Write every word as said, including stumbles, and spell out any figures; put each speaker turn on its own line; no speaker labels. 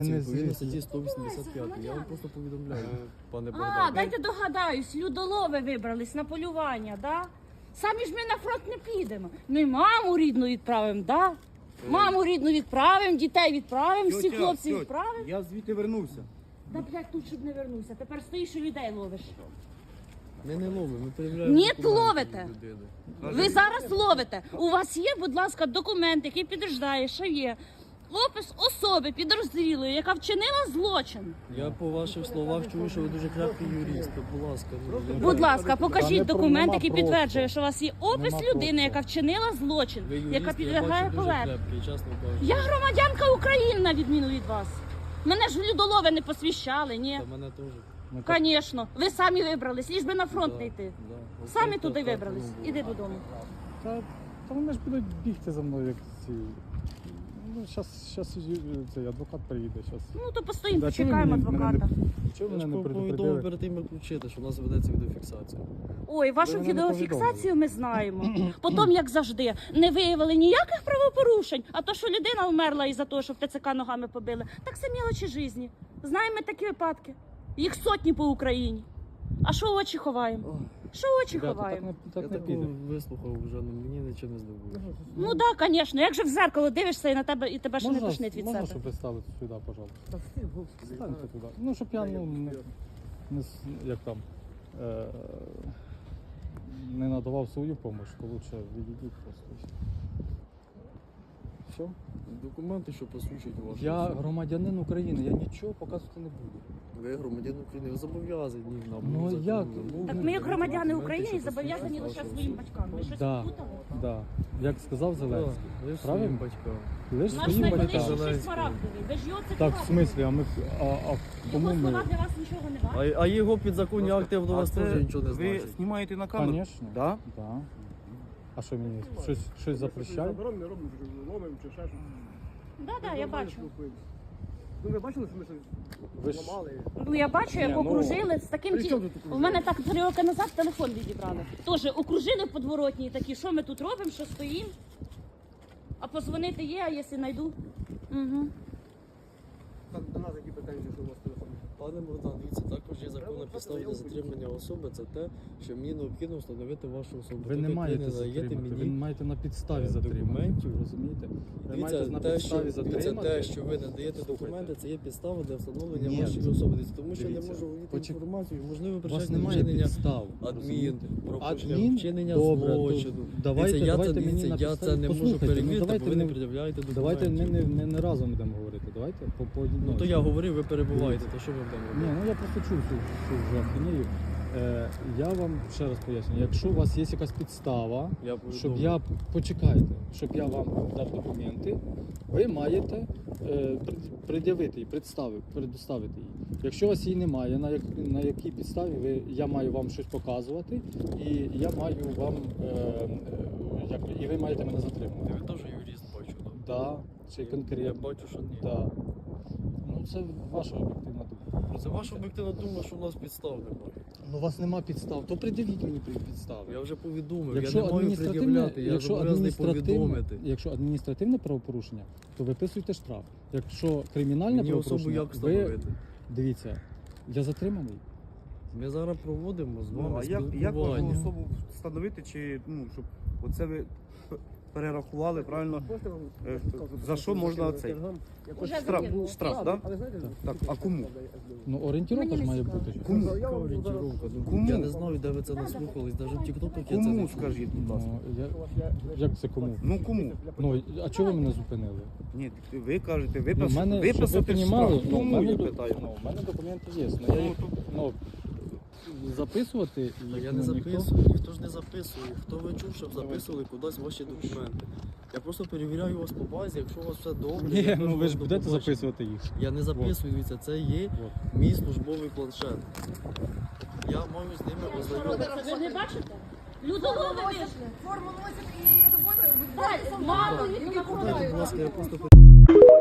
Відповідно статті сто вісімдесят п'ять. Я вам просто повідомляю, пане Богдан.
А, дайте догадаюсь, людолови вибрались на полювання, да? Самі ж ми на фронт не підемо. Ми маму рідну відправимо, да? Маму рідну відправимо, дітей відправимо, всіх
Тьотя,
хлопців
тьотя,
відправимо.
Я звідти вернувся.
Да, блядь, тут щоб не вернувся. Тепер стоїш і людей ловиш.
Ми не ловимо, ми перевіряємо.
Ні,
документи
ловите.
людини.
Ви зараз ловите. У вас є, будь ласка, документ, який підтверждає, що є опис особи підозрілої, яка вчинила злочин.
Я по ваших словах чую, що ви дуже крепкий юрист. Будь ласка, ну,
Будь ласка, покажіть
Та не
документ,
нема
який
просто.
підтверджує, що у вас є опис
Нема
людини,
просто.
яка вчинила злочин,
ви юрист,
яка
я
підлягає
бачу, дуже
поверненню.
крепкий, чесно кажучи.
Я громадянка України, на відміну від вас. Мене ж в людолови не посвящали, ні?
Та мене теж.
Ну, так,
Звісно, ви самі вибрались, ліж би на фронт
Да,
не йти.
да. Ось
Самі
так,
туди
так,
вибрались.
так, ну,
Іди додому.
Та, та вони ж будуть бігти за мною, як ці. Ну, щас, щас цей адвокат приїде. Щас.
Ну то постоїмо,
Да, чого ви
почекаємо
мене- мене
адвоката.
не- Чого
Я
мене
ж
не
повідомив
предупредили?
перед тим, як включити, що у нас ведеться відеофіксація.
Ой, вашу
Ви мене не
відеофіксацію ми знаємо. Потім, як завжди, не виявили ніяких правопорушень, а то, що людина вмерла із-за того, що в ТЦК ногами побили, так це мілочі житті. Знаємо ми такі випадки. Їх сотні по Україні. А що очі ховаємо? Що очі
Ребята, так
ховаємо?
не,
Я
так не
такого
піде.
вислухав вже, ну мені нічого не здобуло.
Ну так, да, звісно. Як же в зеркало дивишся і на тебе і тебе ще не тошнить від
можна,
себе.
щоб ви стали сюди, пожалуйста. Станьте туди. Ну, щоб я ну, не, не, с- як там, е, не надавав свою допомогу, то лучше відійдіть просто. Все?
Документи, що посвідчують вашу
Я
особу.
громадянин України, я нічого показувати не буду.
Ви громадян України, ви зобов'язані нам.
Ну,
законом
як?
вимогам.
Так ми, як громадяни
Документи,
України,
що
зобов'язані
посвідчують
лише
вашу
своїм
особу.
батькам. Ви щось
Да.
плутали?
Да. Як сказав
Так,
Зеленський.
ви ж
Правильно?
своїм батькам.
Лиш
Наш
своїм
найголовніший
батькам.
Зеленський.
смарагдовий. Ви ж його
Так, в
цитували.
смислі, а ми а, а кому
Його слова
ми?
для вас нічого не варті.
А, а його підзаконні акти до
А
вас
це
теж нічого не
Ви
значить.
знімаєте на камеру?
Звісно.
Да?
Да. А що мені? Щось, щось запрещає?
Заборонено не робимо, що ловимо чи ще щось.
Да, да, я бачу.
Ну ви бачили, що ми щось
Ви ж-
ламали?
Ну я бачу, як
Ні, ну,
окружили з таким
при
ті...
чому тут
У
окружили?
мене так три роки назад телефон відібрали. Тоже окружили в подворотні і такі, що ми тут робимо, що стоїмо. А позвонити є, а якщо знайду. Угу.
Там до нас які претензії, що у вас телефон?
Пане Богдан, дивіться, також є законна підстава для затримання особи. Це те, що мені необхідно встановити вашу особу.
Ви
Так
не
як
маєте
не даєте
затримати, ви
мені
маєте на підставі
е,
затримати.
документів.
Розумієте? Ви
Дивіться,
маєте на
те, що,
підставі
дивіться,
затримати.
те, що ви надаєте
Слухайте.
документи, це є підстава для встановлення
Ні.
вашої особи. Дивіться, тому що я не
Дивіться,
можу володіти
почек-
інформацією, можливо,
У вас
причетне
немає
вчинення
підстав.
адмін,
розумієте?
пропущення,
Адмін?
вчинення
Добре, то
злочину.
давайте,
Дивіться, я
давайте
це,
мені
дивіться,
на
я
підставі.
це не можу
Послухайте, ну,
перевірити,
давайте
бо ви не
не-
пред'являєте документів.
Давайте ми не, ми не разом будемо говорити. Давайте по, по
Ну то я говорив, ви перебуваєте, то що ми будемо
Ні,
робити?
ну я просто чув цю, цю вже ахінею. Е, я вам ще раз поясню, якщо у вас є якась підстава,
Я
щоб
повідомлю.
я почекайте, щоб я вам дав документи, ви маєте е, пред- пред'явити її, представити, предоставити її. Якщо у вас її немає, на, як, на якій підставі ви, я маю вам щось показувати, і я маю вам е, е, як, і ви маєте мене затримувати.
Ви теж юрист бачу, так?
Да, чи
Я
конкретно.
бачу, що ні.
Да. Ну це ваша об'єктивна думка.
Це ваша об'єктивна думка, що у нас підстав немає.
Ну у вас нема підстав, то пред'явіть мені підстави.
Я вже повідомив,
Якщо
я не маю
адміністративне,
пред'являти, я
якщо
зобов'язаний
адміністративне,
повідомити.
якщо адміністративне правопорушення, то виписуйте штраф. Якщо кримінальне
Мені особу
правопорушення,
як
ви
встановити?
дивіться, я затриманий.
Ми зараз проводимо з
Ну,
вами
а як, як
спілкування.
вашу особу встановити, чи ну, щоб оце ви п- перерахували правильно?
Можете вам
Е, за що можна цей?
Уже
Штраф,
закинули.
штраф, так?
Але знаєте,
Так, а кому?
Ну орієнтировка
Мені
ж
не
має
цікаво.
бути.
Кому?
Я вам
Орієнтировка. Ну,
Кому?
Я не знаю, де ви це наслухались, навіть в тіктоках я це
Кому
не чув.
скажіть, будь ласка?
Ну, я, як це кому?
Ну кому?
Ну, а чого ви мене зупинили?
Ні, ви кажете,
Ну, в
виписати,
мене, щоб ви
виписати
понімали,
штраф.
ну, в
Кому,
мене,
я
до-
питаю?
ну, в мене документи є. Ну, я їх, ну, записувати
Та
їх,
я
ну,
не
ніхто-
записую, ніхто ж не записує. Хто ви чув, щоб записували кудись ваші документи? Я просто перевіряю вас по базі, якщо у вас все добре.
Ні,
я
ну
кажу
ви ж
вам,
будете
до побачення.
записувати їх.
Я не записую, дивіться, це є
От.
мій службовий планшет. Я маю з ними
Що
ознайомитися.
робиться? Ви не бачите? Людолови вийшли.
Форму носит и работают.
Дайте, мало їх
Будь
направляють.
ласка, я просто